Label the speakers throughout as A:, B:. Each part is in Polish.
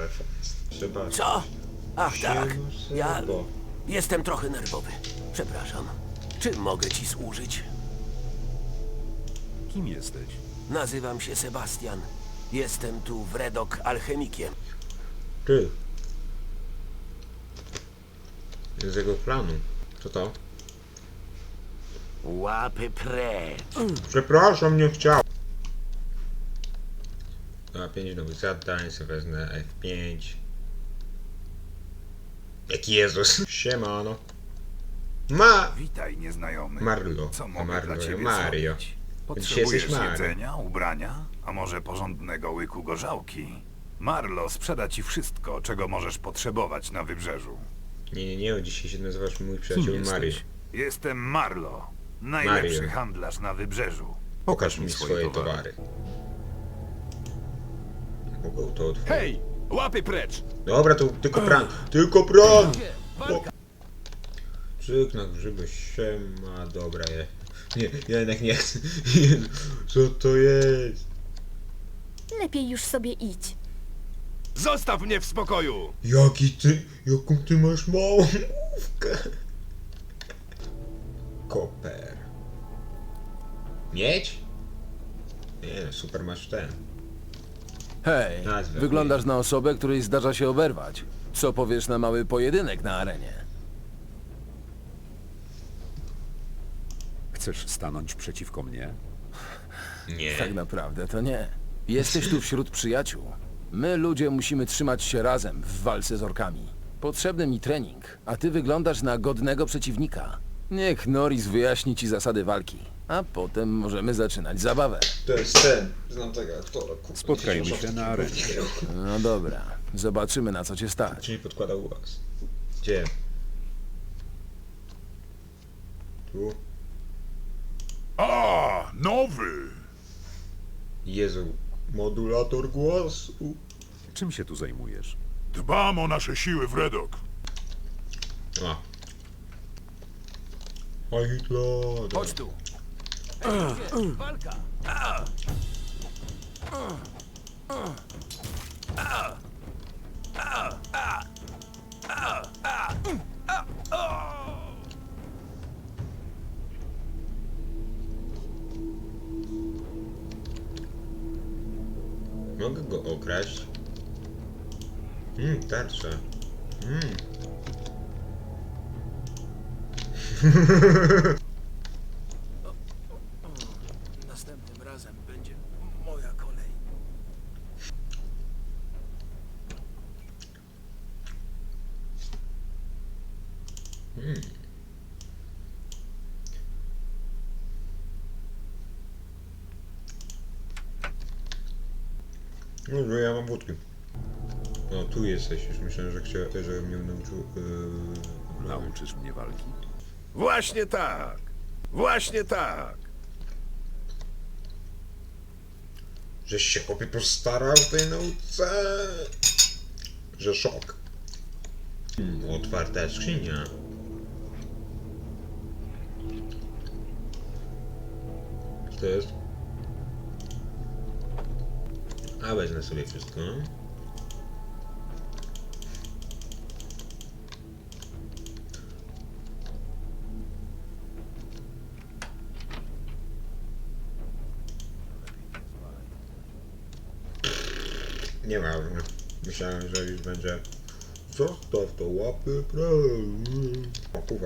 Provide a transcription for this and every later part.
A: telefon. Trzeba...
B: Co? Ach tak, ja
A: Bo...
B: jestem trochę nerwowy. Przepraszam. Czym mogę ci służyć?
C: Kim jesteś?
B: Nazywam się Sebastian. Jestem tu w Redok alchemikiem.
A: Ty. Z jego planu. Co to?
B: Łapy precz.
A: Przepraszam, nie chciał. A 5 nowych zadań, sobie wezmę F5. Jak Jezus. Siemano.
D: Witaj, nieznajomy.
A: Marlo.
D: Co mogę
A: Marlo,
D: dla ciebie
A: Mario.
D: zrobić?
A: Dzisiaj jesteś
D: Potrzebujesz
A: Mario.
D: jedzenia, ubrania, a może porządnego łyku gorzałki? Marlo sprzeda ci wszystko, czego możesz potrzebować na wybrzeżu.
A: Nie, dzisiaj się nazywasz mój przyjaciel
C: Kim
A: Mario.
C: jesteś?
D: Jestem Marlo, najlepszy
A: Mario.
D: handlarz na wybrzeżu.
A: Pokaż mi swoje towary. Mogę to otworzyć.
E: Hej! Łapy precz!
A: Dobra, to tylko pran. Tylko pran! Czyk na grzyby siema. Dobra, nie, ja jednak nie chcę. Jezu, co to jest?
F: Lepiej już sobie idź.
E: Zostaw mnie w spokoju!
A: Jaką ty masz małą główkę? Koper. Miedź? Nie, super masz ten.
G: Hej,
A: Nazwę.
G: wyglądasz na osobę, której zdarza się oberwać. Co powiesz na mały pojedynek na arenie?
C: Chcesz stanąć przeciwko mnie?
A: Nie.
G: Tak naprawdę to nie. Jesteś tu wśród przyjaciół. My, ludzie, musimy trzymać się razem w walce z orkami. Potrzebny mi trening, a ty wyglądasz na godnego przeciwnika. Niech Norris wyjaśni ci zasady walki, a potem możemy zaczynać zabawę.
A: To jest ten. Znam tego aktora. kurwa.
C: Spotkajmy się na arenie.
G: No dobra, zobaczymy na co cię stać.
A: Czy nie podkładał was? Gdzie? Tu?
D: A, nowy!
A: Jezu. Modulator głosu.
C: Czym się tu zajmujesz?
D: Dbam o nasze siły w Redok.
A: A. Oj, Hitler.
B: Chodź tu. Walka.
A: Mogę go okraść? Tarcza.
B: Następnym razem będzie moja kolej.
A: No, że ja mam wódki. No, tu jesteś. Już myślałem, że mnie nauczył...
C: Nauczysz mnie walki?
E: Właśnie tak! Właśnie tak!
A: Żeś się chłopie postarał w tej nauce. Że szok. Otwarta skrzynia. Co to jest? A wezmę sobie wszystko. Nieważne. Myślałem, że już będzie. Zostaw to łapy O kurwa.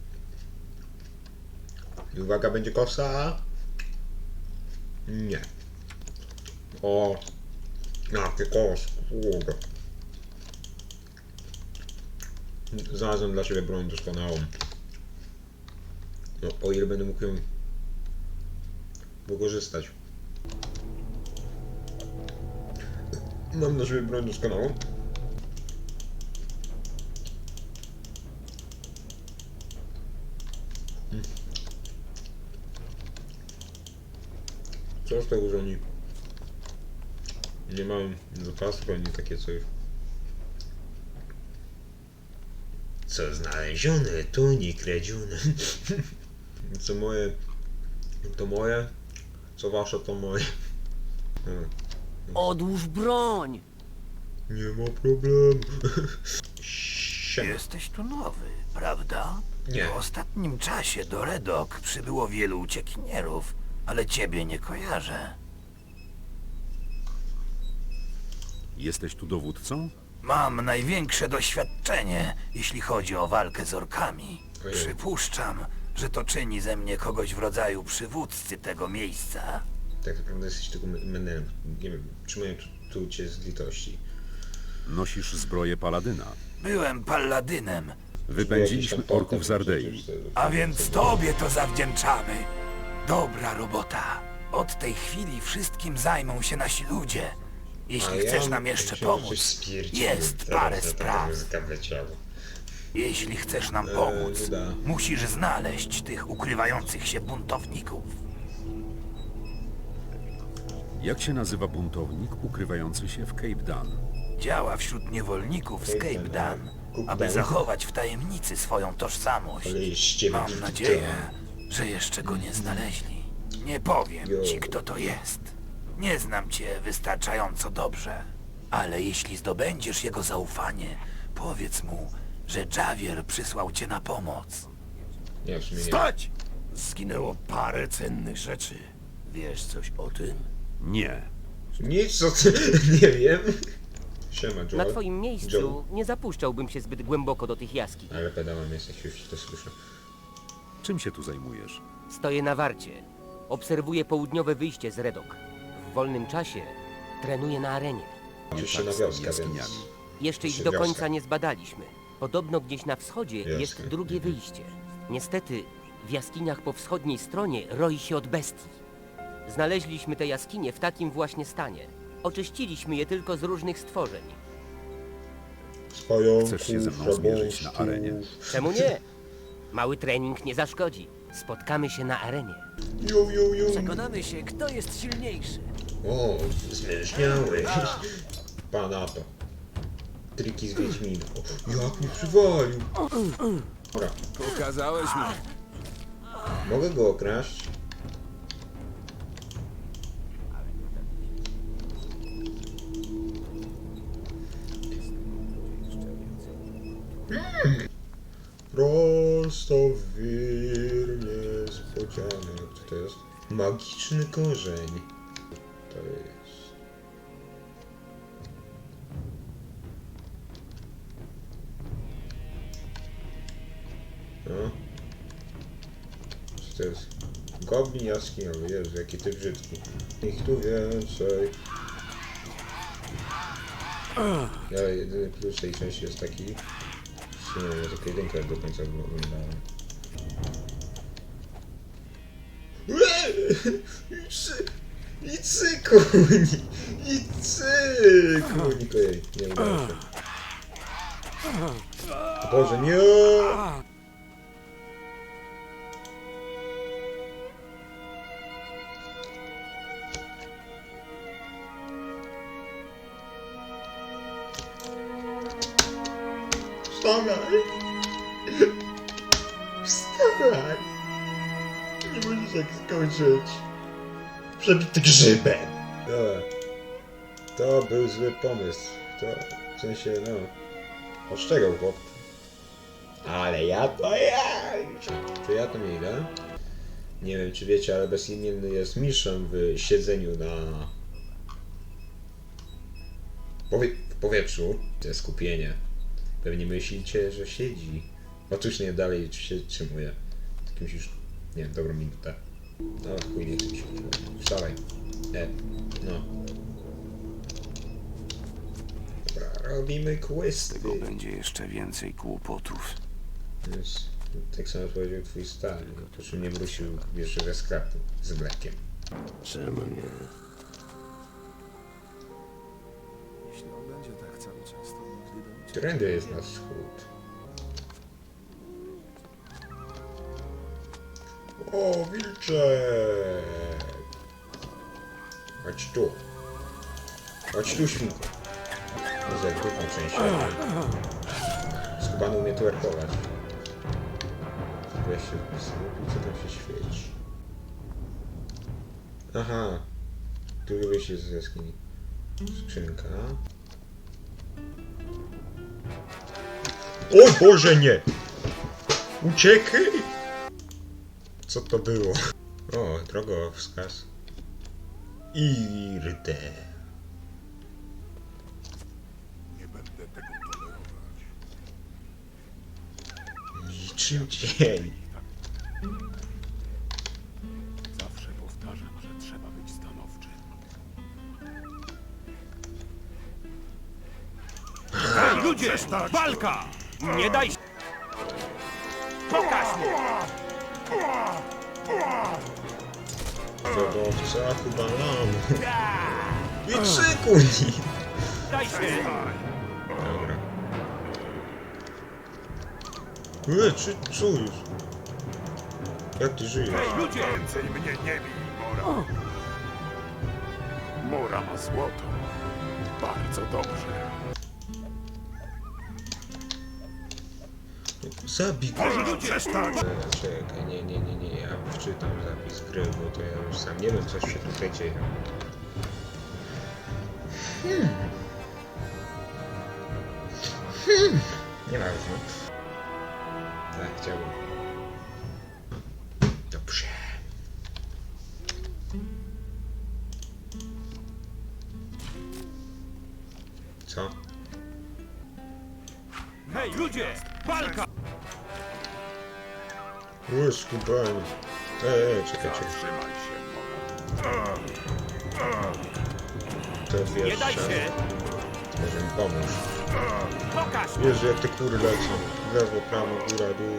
A: I uwaga, będzie kosa. Nie. O. Jakie kos. Kurde. Znalazłem dla siebie broń doskonałą. No, o ile będę mógł ją wykorzystać. Mam dla siebie broń doskonałą. Co z tego, że oni nie mają zapasów ani takie coś. Co znalezione, to nie kradzione. Co moje, to moje. Co wasze, to moje.
B: Odłóż broń.
A: Nie ma problemu. Siema.
B: Jesteś tu nowy, prawda?
A: Nie.
B: W ostatnim czasie do Redok przybyło wielu uciekinierów, ale ciebie nie kojarzę.
C: Jesteś tu dowódcą?
B: Mam największe doświadczenie, jeśli chodzi o walkę z orkami.
A: Ojej.
B: Przypuszczam, że to czyni ze mnie kogoś w rodzaju przywódcy tego miejsca.
A: Tak naprawdę jesteś tylko menelem. Nie wiem, trzymają tu cię z litości.
C: Nosisz zbroję paladyna.
B: Byłem palladynem,
C: Wypędziliśmy orków z Ardei.
B: a więc tobie to zawdzięczamy. Dobra robota. Od tej chwili wszystkim zajmą się nasi ludzie. Jeśli chcesz nam jeszcze pomóc, jest parę spraw. Jeśli chcesz nam pomóc,
A: da.
B: musisz znaleźć tych ukrywających się buntowników.
C: Jak się nazywa buntownik ukrywający się w Cape Dan?
B: Działa wśród niewolników z Cape Dan, aby zachować w tajemnicy swoją tożsamość.
A: Ale jest z ciebie
B: Mam
A: brzydka.
B: nadzieję, że jeszcze go nie znaleźli. Nie powiem
A: Jo.
B: ci, kto to jest. Nie znam cię wystarczająco dobrze. Ale jeśli zdobędziesz jego zaufanie, powiedz mu, że Javier przysłał cię na pomoc.
A: Nie, w sumie nie.
E: Stać! Zginęło parę cennych rzeczy.
B: Wiesz coś o tym?
C: Nie.
A: Nic, co ty... nie wiem. Siema, Joel.
H: Na twoim miejscu
A: Joel.
H: nie zapuszczałbym się zbyt głęboko do tych jaskiń.
A: Ale pedałem jesteś, już to słyszę.
C: Czym się tu zajmujesz?
H: Stoję na warcie. Obserwuję południowe wyjście z Redok. W wolnym czasie trenuję na arenie.
A: Oczywiście na
C: tak z tymi
A: wioskę, więc...
C: jaskiniami.
H: Jeszcze ich
A: Czy
H: do
A: wioska?
H: końca nie zbadaliśmy. Podobno gdzieś na wschodzie
A: Jasne.
H: jest drugie wyjście. Niestety, w jaskiniach po wschodniej stronie roi się od bestii. Znaleźliśmy te jaskinie w takim właśnie stanie. Oczyściliśmy je tylko z różnych stworzeń.
A: Z pająków,
C: Chcesz się ze mną zmierzyć na arenie?
H: Czemu nie? Mały trening nie zaszkodzi. Spotkamy się na arenie.
A: Ju.
B: Przekonamy się, kto jest silniejszy.
A: O, zmierzniały. Pana to. Triki z Wiedźmina. O, jak mnie przywalił. Dobra,
G: Pokazałeś mi.
A: mogę go okraść? Prosto w wir niespodzianek. Co to jest? Magiczny korzeń. To jest... No. Co to jest? Goblin jaskiniowy. Jezu, jaki ty brzydki. Ich tu więcej. Ja jedyny plus tej części jest taki... W sumie ja tylko jedynkę do końca oglądałem. I cykuni! I cykuni! Ojej, nie udało się. Boże, nie! Wstawaj! Wstawaj! Nie możesz tak skończyć. Przebity grzybem! Dobra. To był zły pomysł. To w sensie, no... Ostrzegał chłop. Ale ja to ja! To ja tam nie idę. Nie wiem czy wiecie, ale bezimienny jest mistrzem w siedzeniu na... w powietrzu. To jest skupienie. Pewnie myślicie, że siedzi. Otóż nie, dalej się trzymuje. Tak musisz... Nie wiem, dobrą minutę. No chuj, nie chcę mi się. Wstawaj. No. Dobra, robimy questy.
B: Będzie jeszcze więcej kłopotów.
A: Więc tak samo powiedział twój stary. Po czym nie wrócił jeszcze ze sklepu z mlekiem.
B: Czemu nie?
A: Którędy jest na wschód? O, wilczek! Chodź tu. Chodź tu, świnko. Za dupą częścią. Skubany umie twerkować. Ja się co tam się świeci? Aha. Drugie wyjście z jaskini. Skrzynka. O Boże, nie! Uciekaj! Co to było? O, drogowskaz. Irde.
E: Nie będę tego tolerować.
A: Niczym dzień.
E: Zawsze powtarzam, że trzeba być stanowczym.
B: Hej, ludzie! Walka! Nie daj się! Pokaż mu!
A: Drogowca chyba mam. I szykuj!
B: Daj się!
A: Dobra. Co już? Jak ty żyjesz?
B: Ludzie!
E: Więcej mnie nie bij, Mora. Mora ma złoto. Bardzo dobrze.
A: Zabij go!
E: Możesz przestać!
A: Czekaj, nie, ja wczytam zapis gry, bo to ja już sam nie wiem, co się tutaj dzieje. Nieważne. Tak, chciałbym. Dobrze. Co?
B: Hej, ludzie! Walka!
A: Skubanie. Czekaj.
E: Trzymaj się, Mora.
A: To wiesz,
B: Nie daj się!
A: może mi pomóż.
B: Pokaż!
A: Wiesz, jak te kury lecą. Lewo, prawo, góra, dół.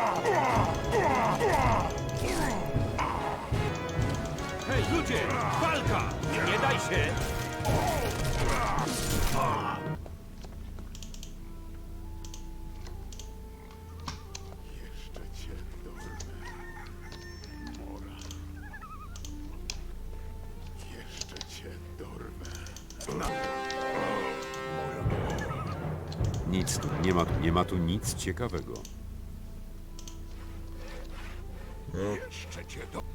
B: Hej, ludzie! Walka! Nie daj się!
E: Jeszcze cię dorwę. Mora. Jeszcze cię dorwę.
C: Nic tu, nie ma tu nic ciekawego.
E: Jeszcze cię dorwę.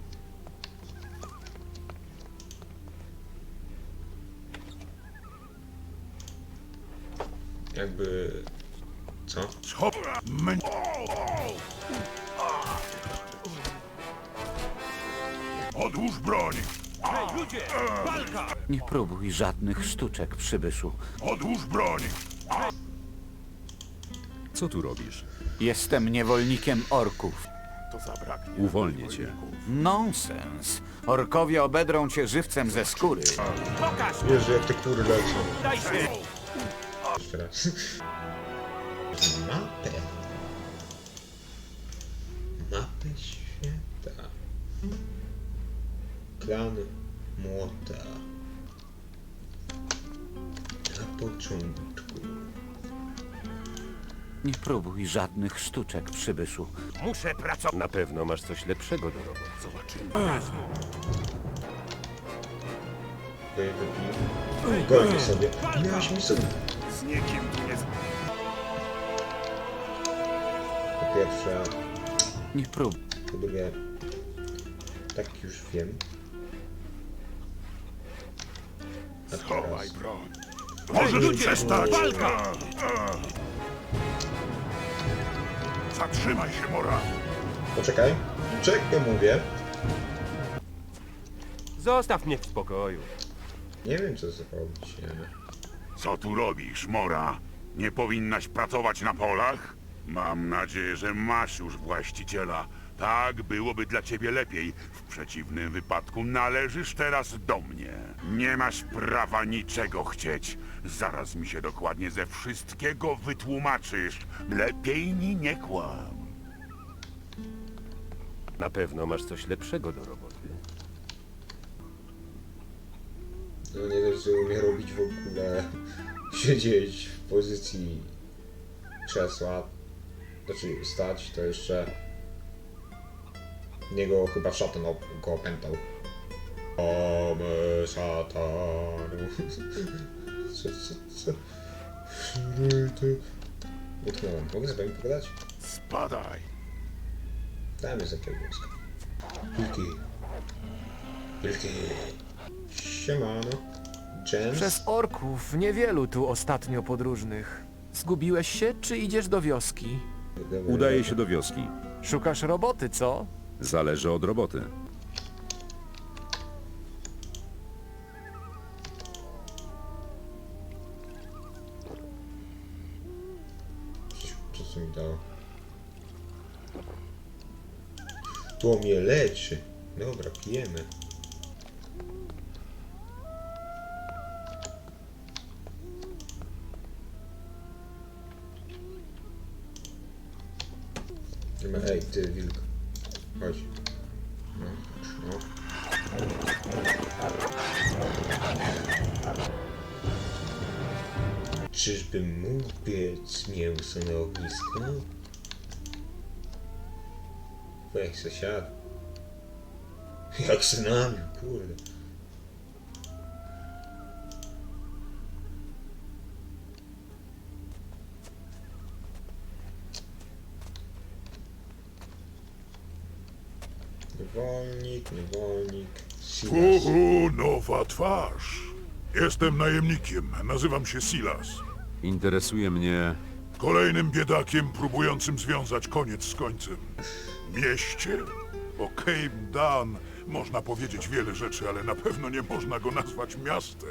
A: Jakby... Co?
E: Hop! Odłóż broń!
B: Hej, ludzie! Walka!
I: Nie próbuj żadnych sztuczek, przybyszu.
E: Odłóż broń!
C: Co tu robisz?
I: Jestem niewolnikiem orków.
E: To zabraknie.
C: Uwolnię cię.
I: Nonsens. Orkowie obedrą cię żywcem ze skóry.
B: Pokaż!
A: Wiesz, jak te kury lecą.
B: Daj się!
A: Jeszcze raz. Mapę. Mapę świata. Klan Młota. Na początku.
I: Nie próbuj żadnych sztuczek, przybyszu.
B: Muszę pracować!
E: Na pewno masz coś lepszego do roboty. Zobaczymy.
A: Golnie sobie. Miałeś mi sobie.
E: Z nikim tu nie...
A: Po pierwsze,
I: Nie próbuj.
A: po drugie, tak już wiem. A
E: Schowaj
A: teraz...
E: broń. Możesz przestać!
B: Walka!
E: Zatrzymaj się, Mora!
A: Poczekaj. Czekaj, mówię.
B: Zostaw mnie w spokoju.
A: Nie wiem, co zrobić, nie?
E: Co tu robisz, Mora? Nie powinnaś pracować na polach? Mam nadzieję, że masz już właściciela. Tak byłoby dla ciebie lepiej. W przeciwnym wypadku należysz teraz do mnie. Nie masz prawa niczego chcieć. Zaraz mi się dokładnie ze wszystkiego wytłumaczysz. Lepiej mi nie kłam.
B: Na pewno masz coś lepszego do roboty.
A: No nie dość, że umie robić w ogóle, siedzieć w pozycji krzesła, znaczy stać, to jeszcze niego chyba szatan go opętał. O my szatanu. Co? Utknąłem. Mogę z wami pogadać?
E: Spadaj.
A: Dajmy za jakiegoś głoska. Wilki. Siemano. James?
J: Przez orków niewielu tu ostatnio podróżnych.
G: Zgubiłeś się, czy idziesz do wioski?
C: Udaje się do wioski.
G: Szukasz roboty, co?
C: Zależy od roboty.
A: Co mi dało? To mnie leczy. Dobra, pijemy. Ej, ty wilk. Chodź. No, no. Czyżbym mógł piec mięso na ognisko? Jak se siadł. Jak se nabił, kurde. Niewolnik. Silas.
E: Nowa twarz. Jestem najemnikiem, nazywam się Silas.
C: Interesuje mnie...
E: Kolejnym biedakiem próbującym związać koniec z końcem. Mieście? O Cape Dan można powiedzieć wiele rzeczy, ale na pewno nie można go nazwać miastem.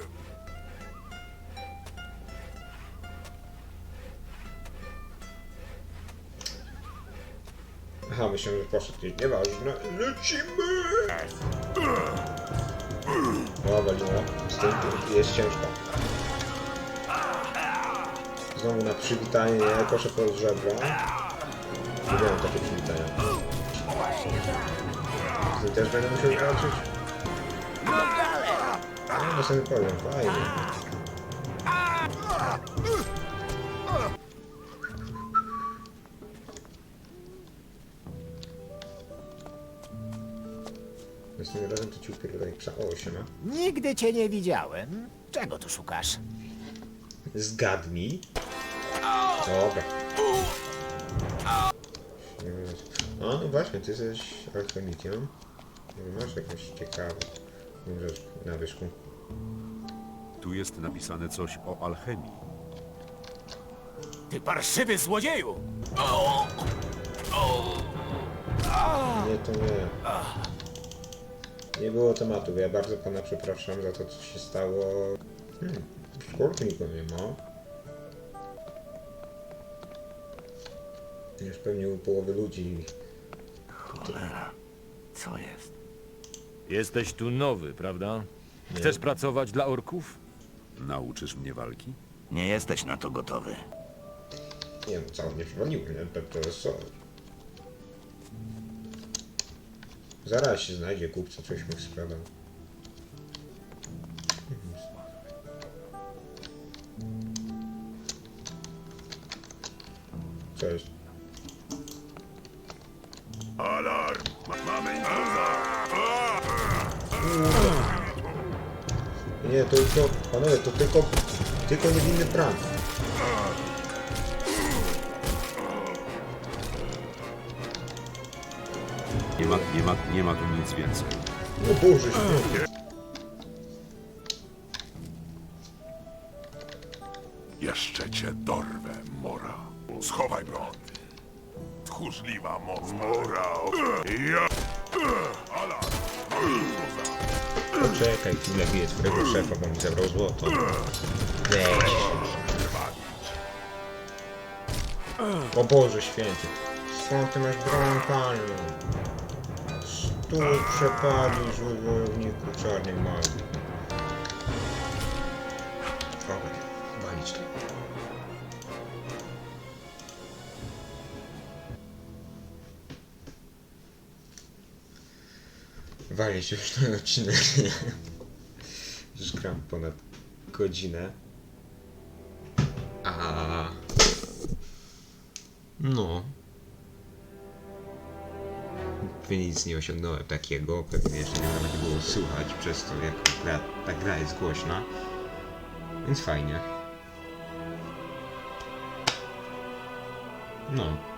A: Aha, myślę, że poszedł gdzieś. Nieważne. Lecimy! O, walimy. Z tym jest ciężko. Znowu na przywitanie, nie? Proszę pod żebra. Lubiłem takie przywitania. Ty też będę musiał walczyć? No, na samym powiem, fajnie. Następnym razem to ci upierdolę psa. O, siema.
J: Nigdy cię nie widziałem. Czego tu szukasz?
A: Zgadnij. Dobra. A, no właśnie, ty jesteś alchemikiem. Masz jakąś ciekawą rzecz na wierzchu.
C: Tu jest napisane coś o alchemii.
J: Ty parszywy złodzieju!
A: Nie, to nie. Nie było tematu. Ja bardzo pana przepraszam za to, co się stało. W kurtniku nie ma. Już pewnie u połowy ludzi.
J: Co jest?
K: Jesteś tu nowy, prawda? Chcesz pracować dla orków?
C: Nauczysz mnie walki?
J: Nie jesteś na to gotowy.
A: Nie no, cało mnie przywaliło, nie? To jest co? Zaraz się znajdzie kupca, coś mu sprzedał. Cześć.
E: Alarm! Mamy intruza!
A: Nie, to panowie, to tylko niewinny prank.
C: Nie ma tu nic więcej.
A: O Boże święty.
E: Jeszcze cię dorwę, Mora. Schowaj broń. Tchórzliwa moc Mora. Ja... Alarm! Mamy intruza!
A: Poczekaj, chwilę biję twojego szefa, bo mi zabrał złoto. Weź. O Boże święty. Skąd ty masz broń palną? Stój, przepadnij, zły wojowniku czarnej magii. Dobra, walić to. Walić już ten odcinek. Już gram ponad godzinę. No. Nic nie osiągnąłem takiego, pewnie jeszcze nie nawet było słuchać przez to, jak ta gra jest głośna. Więc fajnie. No.